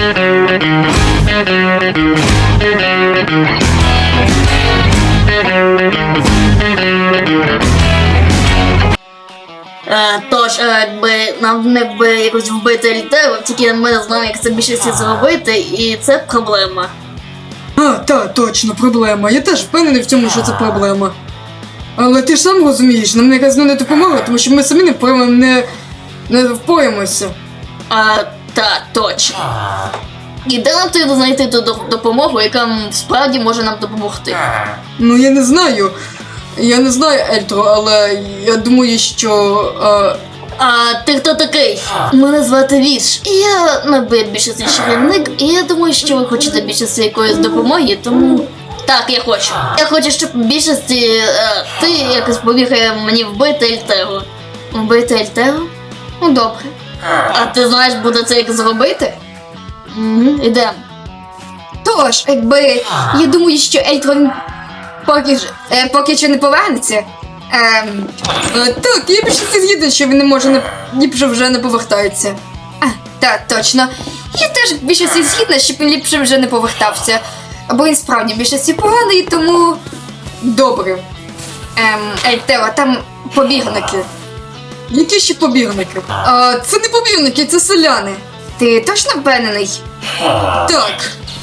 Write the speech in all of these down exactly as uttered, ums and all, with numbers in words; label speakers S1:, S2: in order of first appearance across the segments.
S1: Е, тож, е, якби нам не би якось вбити Ельтеру, тільки ми не знаємо, як це більше всіх зробити, і це проблема.
S2: А, та, точно, проблема. Я теж впевнений в цьому, що це проблема. Але ти ж сам розумієш, нам якась не допомога, тому що ми самі не впораємо, не, не впораємося.
S1: А, та, точно. І де нам треба знайти ту до- допомогу, яка м, справді може нам допомогти?
S2: Ну, я не знаю. Я не знаю, Ельтро, але я думаю, що... А...
S1: А ти хто такий? Мене звати Віш. І я набив більшості чарівник, і я думаю, що ви хочете більшості якоїсь допомоги, тому... Так, я хочу. Я хочу, щоб більшості е, ти якось помігає мені вбити Ельтеру. Вбити Ельтеру? Ну добре. А ти знаєш, буде це як зробити? Угу, ідемо.
S3: Тож, якби я думаю, що Ельтрон поки, ж- е, поки що не повернеться. Ем,
S2: Е, так, я більше не згідний, що він не може не... ліпше вже не повертається.
S3: а, так, точно. Я теж більшості згідна, щоб він ліпше вже не повертався. Бо він справді більшості поганий, тому.
S2: Добре.
S3: Ем, Ельтео, там побігники.
S2: Які ще побірники? А, це не побірники, це селяни.
S3: Ти точно впевнений?
S2: Так.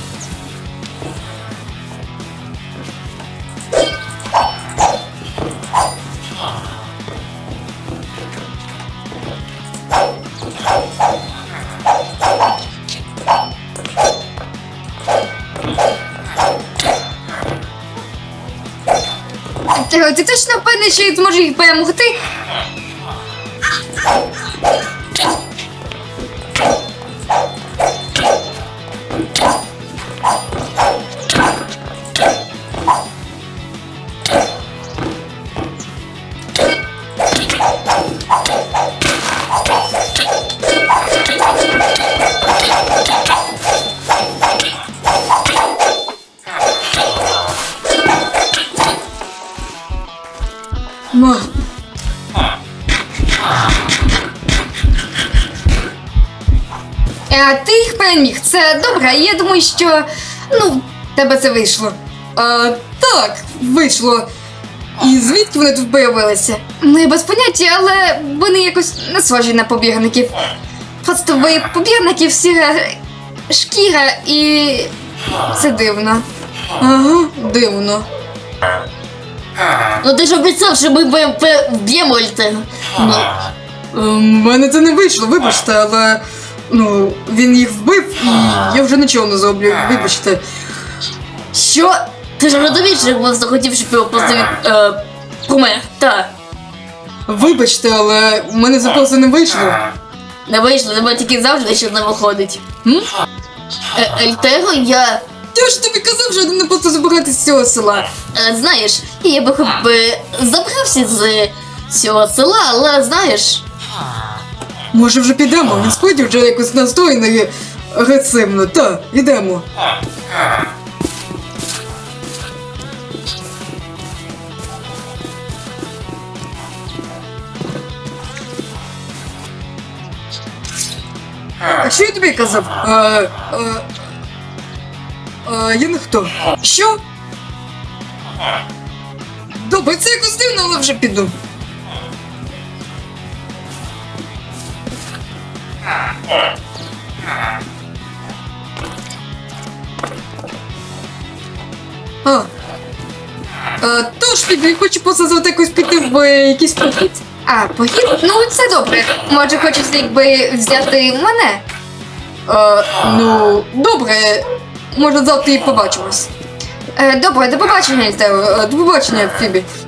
S3: Ельтео, ти точно впевнений, що він зможе їх перемогти?
S2: Ма.
S3: А ти їх переміг. Це добре. Я думаю, що ну, в тебе це вийшло.
S2: А, так, вийшло. І звідки вони тут появилися?
S3: Ну, я без поняття, але вони якось не схожі на побірників. Просто ви побірників сіра шкіра і це дивно.
S2: Ага, дивно.
S1: Ну ти ж обіцяв, що ми б- б- вб'ємо Ельтеру. Ну,
S2: У мене це не вийшло, вибачте, але ну, він їх вбив і я вже нічого не зроблю, вибачте.
S1: що? Ти ж розумієш, що просто хотів, щоб його просто від, е, помер. Так.
S2: Вибачте, але у мене це просто не вийшло.
S1: Не вийшло, тебе тільки завжди що не виходить. М? Е, Ельтеру я...
S2: Я ж тобі казав, що не просто забирати з цього села.
S1: Е, знаєш, я би хоч би забрався з цього села, але знаєш...
S2: Може вже підемо, він справді вже якось настроєний агресивно. Та, ідемо. А що я тобі казав? А, а, а, я не хто. Що? Добре, це якось дивно, але вже піду. А. А, тож, Фібі, хочу позазвати якось піти в е, якийсь похід.
S3: А, похід? Ну, це добре. Може, хочеш якби взяти мене?
S2: А, ну, добре, може завтра і побачимось.
S3: Е, добре, до побачення, Ельтео.
S2: Е, До побачення, Фібі.